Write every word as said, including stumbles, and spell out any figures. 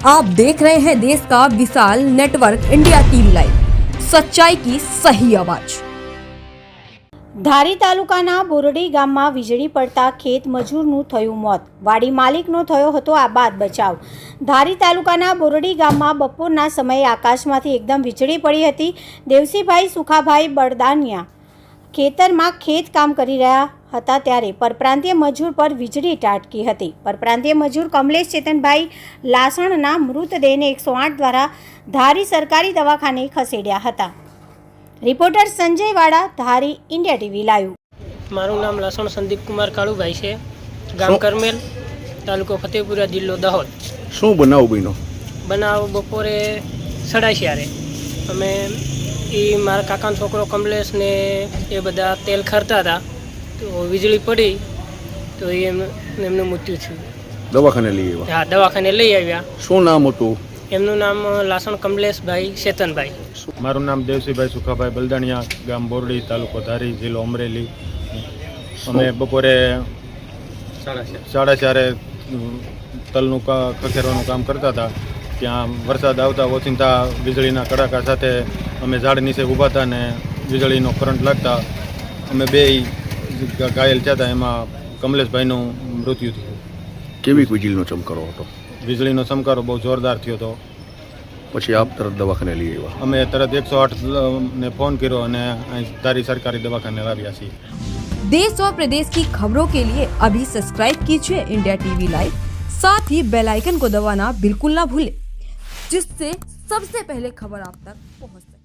आप देख रहे हैं देश का विशाल नेटवर्क इंडिया टीवी लाइव, सच्चाई की सही आवाज। ધારી તાલુકાના બોરડી ગામમાં વીજળી પડતા ખેત મજૂરનું થયું મોત, વાડી માલિકનો થયો હતો આબાદ બચાવ। ધારી તાલુકાના બોરડી ગામમાં બપોરના સમયે આકાશમાંથી એકદમ વીજળી પડી હતી। દેવસીભાઈ સુખાભાઈ બળદાનિયા ખેતરમાં ખેત કામ કરી રહ્યા હતા ત્યારે પરપ્રાંતીય મજૂર પર વીજળી ત્રાટકી હતી। પરપ્રાંતીય મજૂર કમલેશ ચેતનભાઈ લાસણના મૃતદેહને એકસો આઠ દ્વારા ધારી સરકારી દવાખાને ખસેડ્યા હતા। રિપોર્ટર સંજય વાડા, ધારી, ઇન્ડિયા ટીવી લાઈવ। મારું નામ લાસણ સંદીપ કુમાર કાળુભાઈ છે, ગામ કરમેલ, તાલુકો ફતેપુરા, જિલ્લો દાહોદ। શું બનાવ બન્યો? બનાવ બપોરે સડાશિયારે અમે એ મારા કાકાનો છોકરો કમલેશ ને એ બધા તેલ ખરતા હતા, તો વીજળી પડી તો એ એમનું મૃત્યુ થયું। દવાખાને લઈ આવ્યા? હા, દવાખાને લઈ આવ્યા। શું નામ હતું એમનું નામ લાસણ કમલેશભાઈ ચેતનભાઈ। મારું નામ દેવસીભાઈ સુખાભાઈ બલદાણિયા, ગામ બોરડી, તાલુકો ધારી, જિલ્લો અમરેલી। અમે બપોરે સાડા ચારે તલનું ખખેરવાનું કામ કરતા હતા, ત્યાં વરસાદ આવતા ઓચિંતા વીજળીના કડાકા સાથે અમે ઝાડ નીચે ઊભા હતા ને વીજળીનો કરંટ લાગતા અમે બે ઘાયલ થયા હતા। એમાં કમલેશભાઈનું મૃત્યુ થયું। કેવી વીજળીનો ચમકારો હતો? વીજળીનો ચમકારો બહુ જોરદાર થયો હતો। પછી આપ તરત દવાખાને લઈ આવ્યા? અમે તરત એકસો આઠ ને ફોન કર્યો અને અહીં ધારી સરકારી દવાખાને લાવ્યા છીએ। देश और प्रदेश की खबरों के लिए अभी सब्सक्राइब कीजिए इंडिया टीवी लाइव, साथ ही बेल आइकन को दबाना बिल्कुल ना भूलें, जिससे सबसे पहले खबर आप तक पहुंच सके।